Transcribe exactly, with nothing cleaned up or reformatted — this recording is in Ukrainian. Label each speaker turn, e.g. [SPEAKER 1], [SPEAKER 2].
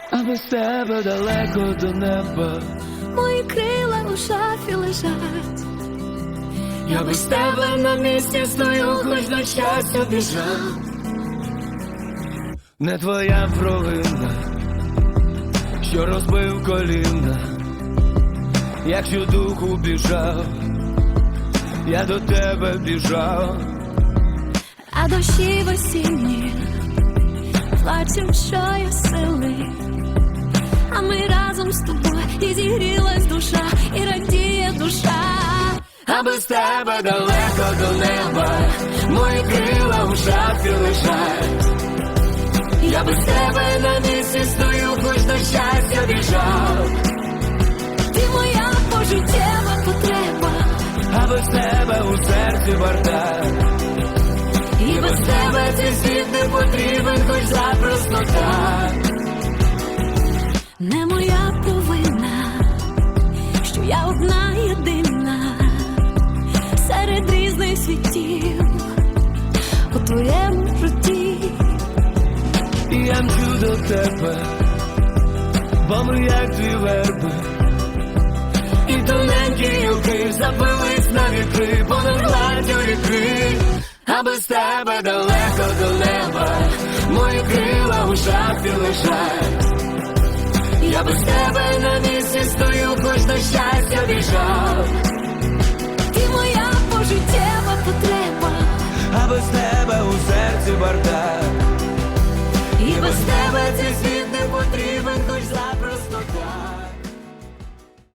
[SPEAKER 1] а без тебе далеко до неба.
[SPEAKER 2] Мої крила у шафі лежать.
[SPEAKER 1] Я без тебе на місці стою, хоч на щастя біжав. Не твоя провина, що розбив коліна. Якщо духу біжав, я до тебе біжав.
[SPEAKER 2] А дощі в осінні плачем, що я сили. А ми разом з тобою, і зігрілась душа, і радіє душа.
[SPEAKER 1] А без тебе далеко до неба, мої крила у шафі лежать. Я без тебе на місці стою, хоч на щастя біжав.
[SPEAKER 2] Ти моя пожиттєва потреба,
[SPEAKER 1] А без тебе у серці бардак.
[SPEAKER 2] і без тебе цей світ не потрібен, хоч запросто так. Не моя провина, що я одна єдина серед різних світів у твоєму житті.
[SPEAKER 1] І я мчу до тебе, бо ми як дві верби. І тоненькі гілки забились на вітри понад гладдю ріки. А без тебе далеко до неба, мої крила у шафі лежать. Я без тебе на місці стою, хоч на щастя біжав.